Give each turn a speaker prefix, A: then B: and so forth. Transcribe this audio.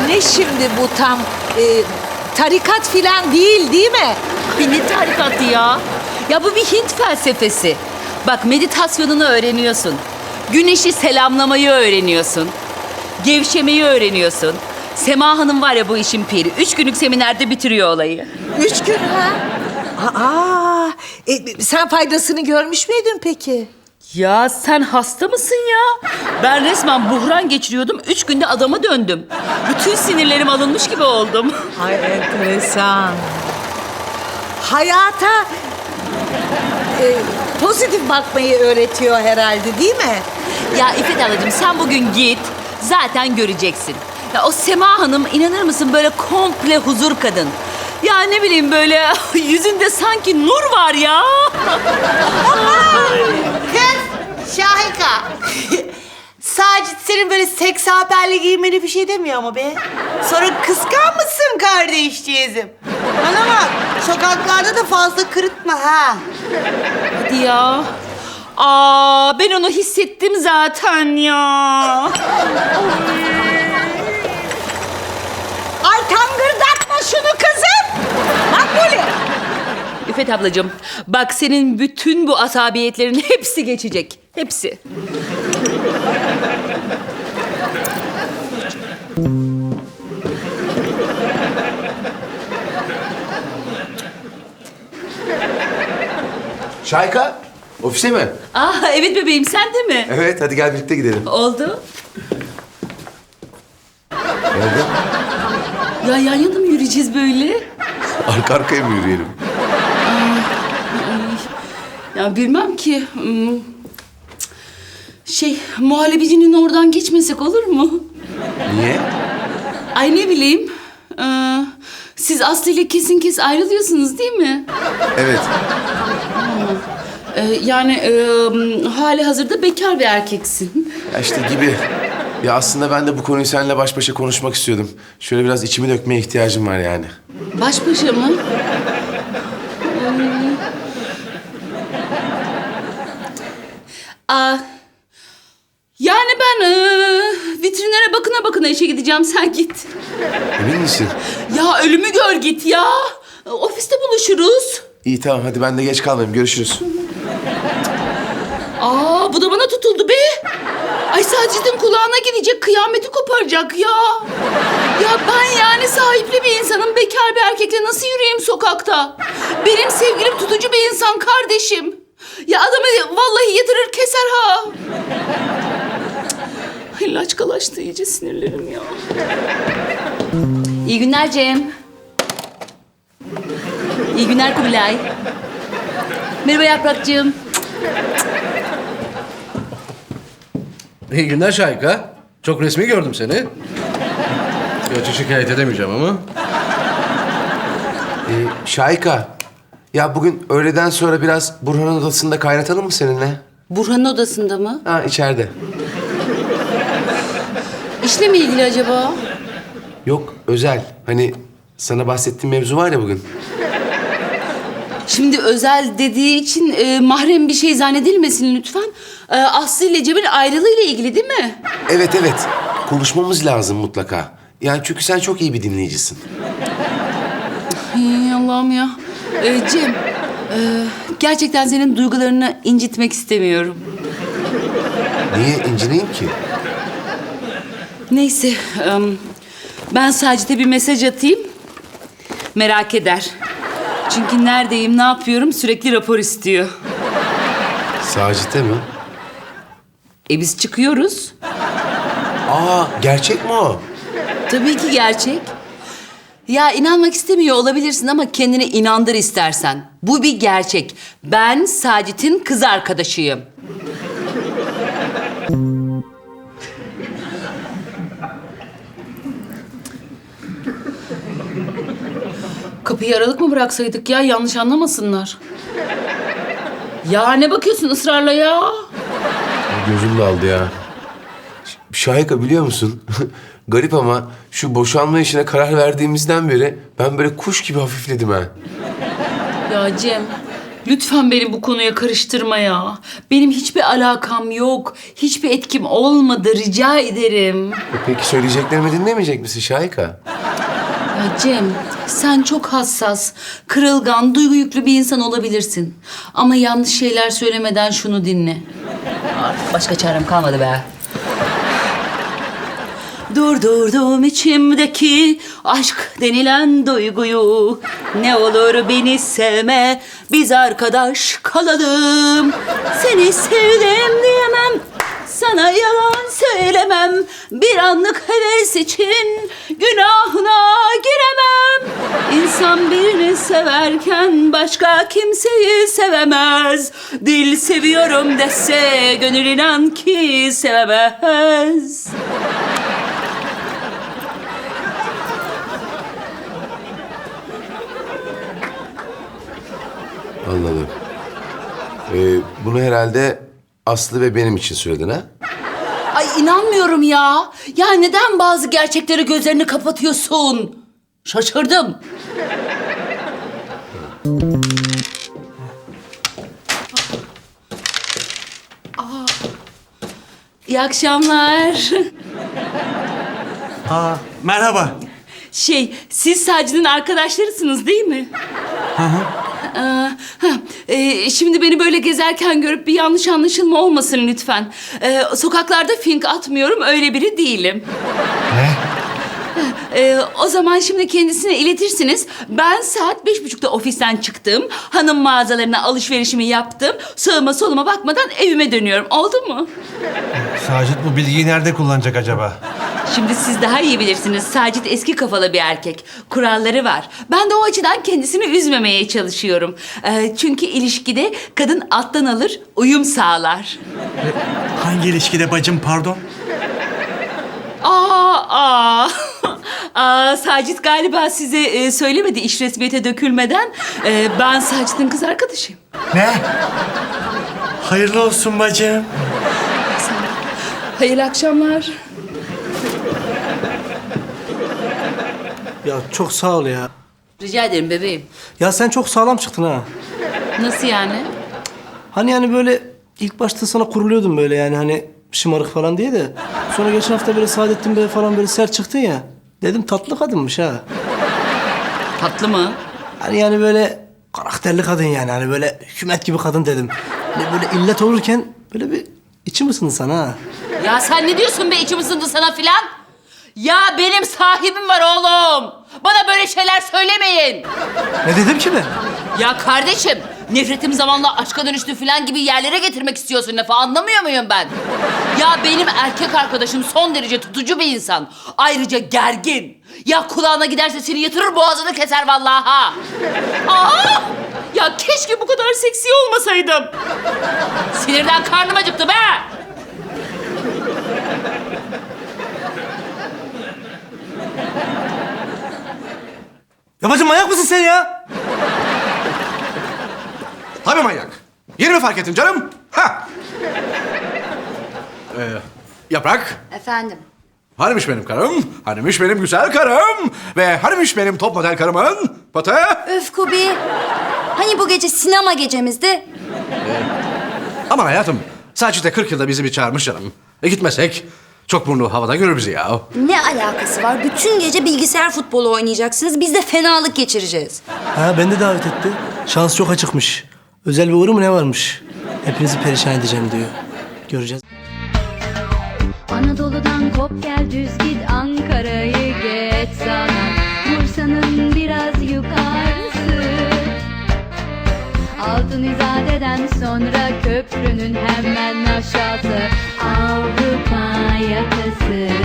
A: Ne şimdi bu tam? Tarikat filan değil mi?
B: Bir ne tarikatı ya? Ya bu bir Hint felsefesi. Bak meditasyonunu öğreniyorsun. Güneşi selamlamayı öğreniyorsun. Gevşemeyi öğreniyorsun. Sema Hanım var ya bu işin piri. 3 günlük seminerde bitiriyor olayı.
A: 3 gün ha? Aa, sen faydasını görmüş müydün peki?
B: Ya sen hasta mısın ya? Ben resmen buhran geçiriyordum. 3 günde adama döndüm. Bütün sinirlerim alınmış gibi oldum.
A: Ay enteresan. Hayata pozitif bakmayı öğretiyor herhalde değil mi?
B: Ya İffet ablacığım sen bugün git. Zaten göreceksin. Ya o Sema Hanım inanır mısın böyle komple huzur kadın. Ya ne bileyim böyle yüzünde sanki nur var ya.
C: Kız Şahika. Sacit senin böyle seks haberle giymeni bir şey demiyor ama be. Sonra kıskanmışsın kardeşciğizim. Bana bak, sokaklarda da fazla kırıtma ha.
B: Hadi ya. Aa ben onu hissettim zaten ya.
A: Ay tangırdatma şunu kızım. Makbule.
B: İffet ablacığım bak senin bütün bu asabiyetlerin hepsi geçecek. Hepsi.
D: Şayka, ofise mi?
B: Aa evet bebeğim sen de mi?
D: Evet, hadi gel birlikte gidelim.
B: Oldu.
D: Nerede?
B: Ya yan yana mı yürüyeceğiz böyle?
D: Arka arkaya mı yürüyelim?
B: Ya bilmem ki. Muhallebicinin oradan geçmesek olur mu?
D: Niye?
B: Ay ne bileyim. Siz Aslı ile kesin kes ayrılıyorsunuz değil mi?
D: Evet.
B: Hali hazırda bekar bir erkeksin.
D: Ya işte gibi. Ya aslında ben de bu konuyu seninle baş başa konuşmak istiyordum. Şöyle biraz içimi dökmeye ihtiyacım var yani.
B: Baş başa mı? Aa, yani ben vitrinlere bakına işe gideceğim. Sen git.
D: Emin misin?
B: Ya ölümü gör git ya. Ofiste buluşuruz.
D: İyi tamam, hadi ben de geç kalmayayım. Görüşürüz.
B: Aa bu da bana tutuldu be. Ay Sacit'in kulağına gidecek, kıyameti koparacak ya. Ya ben yani sahipli bir insanım, bekar bir erkekle nasıl yürüyeyim sokakta? Benim sevgilim tutucu bir insan kardeşim. Ya adamı vallahi yatırır keser ha. Ay laçkalaştı iyice sinirlerim ya. İyi günler Cem. İyi günler Kubilay. Merhaba Yaprakcığım.
E: İyi günler Şahika. Çok resmi gördüm seni. Gerçi şikayet edemeyeceğim ama.
D: Şayka, ya bugün öğleden sonra biraz Burhan'ın odasında kaynatalım mı seninle?
B: Burhan'ın odasında mı?
D: Ha, içeride.
B: İşle mi ilgili acaba?
D: Yok, özel. Hani sana bahsettiğim mevzu var ya bugün.
B: Şimdi özel dediği için mahrem bir şey zannedilmesin lütfen. Aslı ile Cem'in ayrılığıyla ilgili değil mi?
D: Evet, evet. Konuşmamız lazım mutlaka. Yani çünkü sen çok iyi bir dinleyicisin.
B: Ay Allah'ım ya. Cem, gerçekten senin duygularını incitmek istemiyorum.
D: Niye incineyim ki?
B: Neyse, ben Sacit'e bir mesaj atayım. Merak eder. Çünkü neredeyim, ne yapıyorum sürekli rapor istiyor.
D: Sacit'e mi?
B: Biz çıkıyoruz.
D: Aa, gerçek mi o?
B: Tabii ki gerçek. Ya inanmak istemiyor olabilirsin ama kendini inandır istersen. Bu bir gerçek. Ben Sacit'in kız arkadaşıyım. Kapıyı aralık mı bıraksaydık ya? Yanlış anlamasınlar. Ya ne bakıyorsun ısrarla ya?
D: Gözüm daldı ya. Şahika biliyor musun? Garip ama şu boşanma işine karar verdiğimizden beri ben böyle kuş gibi hafifledim ha.
B: Ya Cem, Lütfen beni bu konuya karıştırma ya. Benim hiçbir alakam yok. Hiçbir etkim olmadı. Rica ederim.
D: Peki söyleyeceklerimi dinlemeyecek misin Şahika?
B: Ya Cem, sen çok hassas, kırılgan, duygu yüklü bir insan olabilirsin. Ama yanlış şeyler söylemeden şunu dinle. Artık başka çarem kalmadı be. Durdurdum içimdeki aşk denilen duyguyu. Ne olur beni sevme, biz arkadaş kalalım. Seni sevdim diyemem, sana yalan söylemem. Bir anlık heves için günahına giremem. İnsan birini severken başka kimseyi sevemez. Dil seviyorum dese gönül inan ki sevemez.
D: Anladım. Bunu herhalde Aslı ve benim için söyledin ha?
B: Ay inanmıyorum ya. Ya neden bazı gerçekleri gözlerini kapatıyorsun? Şaşırdım. İyi akşamlar.
F: Merhaba.
B: Siz Saci'nin arkadaşlarısınız değil mi? Şimdi beni böyle gezerken görüp bir yanlış anlaşılma olmasın lütfen. Sokaklarda fink atmıyorum, öyle biri değilim.
F: Ne?
B: O zaman şimdi kendisine iletirsiniz. Ben saat 5.30'da ofisten çıktım. Hanım mağazalarına alışverişimi yaptım. Sağıma soluma bakmadan evime dönüyorum. Oldu mu?
F: Sacit bu bilgiyi nerede kullanacak acaba?
B: Şimdi siz daha iyi bilirsiniz. Sacit eski kafalı bir erkek. Kuralları var. Ben de o açıdan kendisini üzmemeye çalışıyorum. Çünkü ilişkide kadın alttan alır, uyum sağlar.
F: Hangi ilişkide bacım pardon?
B: Sacit galiba size söylemedi iş resmiyete dökülmeden. Ben Sacit'in kız arkadaşıyım.
F: Ne? Hayırlı olsun bacım.
B: Hayırlı akşamlar.
G: Ya çok sağ ol ya.
B: Rica ederim bebeğim.
G: Ya sen çok sağlam çıktın ha.
B: Nasıl yani?
G: Hani yani böyle ilk başta sana kuruluyordum böyle yani hani şımarık falan diye de. Sonra geçen hafta böyle Saadettin Bey falan böyle sert çıktın ya. Dedim tatlı kadınmış ha.
B: Tatlı mı?
G: Hani yani böyle karakterli kadın yani hani böyle hükümet gibi kadın dedim. Hani böyle illet olurken böyle bir içim ısındı sana ha.
B: Ya sen ne diyorsun be, içim ısındı sana filan? Ya benim sahibim var oğlum. Bana böyle şeyler söylemeyin.
G: Ne dedim ki ben?
B: Ya kardeşim, nefretim zamanla aşka dönüştü filan gibi yerlere getirmek istiyorsun lafı, anlamıyor muyum ben? Ya benim erkek arkadaşım son derece tutucu bir insan. Ayrıca gergin. Ya kulağına giderse seni yatırır, boğazını keser vallahi ha. Aa! Ya keşke bu kadar seksi olmasaydım. Sinirden karnım acıktı be.
G: Ya bacım manyak mısın sen ya?
E: Tabii manyak. Yeni mi fark ettin canım? Ha! Yaprak.
H: Efendim?
E: Hanimiş benim karım, hanimiş benim güzel karım ve hanimiş benim top model karımın patı.
H: Öf Kubi. Hani bu gece sinema gecemizdi?
E: Aman hayatım, Sacit'e 40 yılda bizi bir çağırmış canım. Gitmesek çok burnu havada görür bizi ya.
H: Ne alakası var? Bütün gece bilgisayar futbolu oynayacaksınız. Biz de fenalık geçireceğiz.
G: Ha beni de davet etti. Şans çok açıkmış. Özel bir uğru mu ne varmış? Hepinizi perişan edeceğim diyor. Göreceğiz.
I: Anadolu'dan kop gel düz git Ankara'yı geç sana Bursa'nın biraz yukarısı Altın İzade'den sonra köprünün hemen aşağısı Avrupa yakası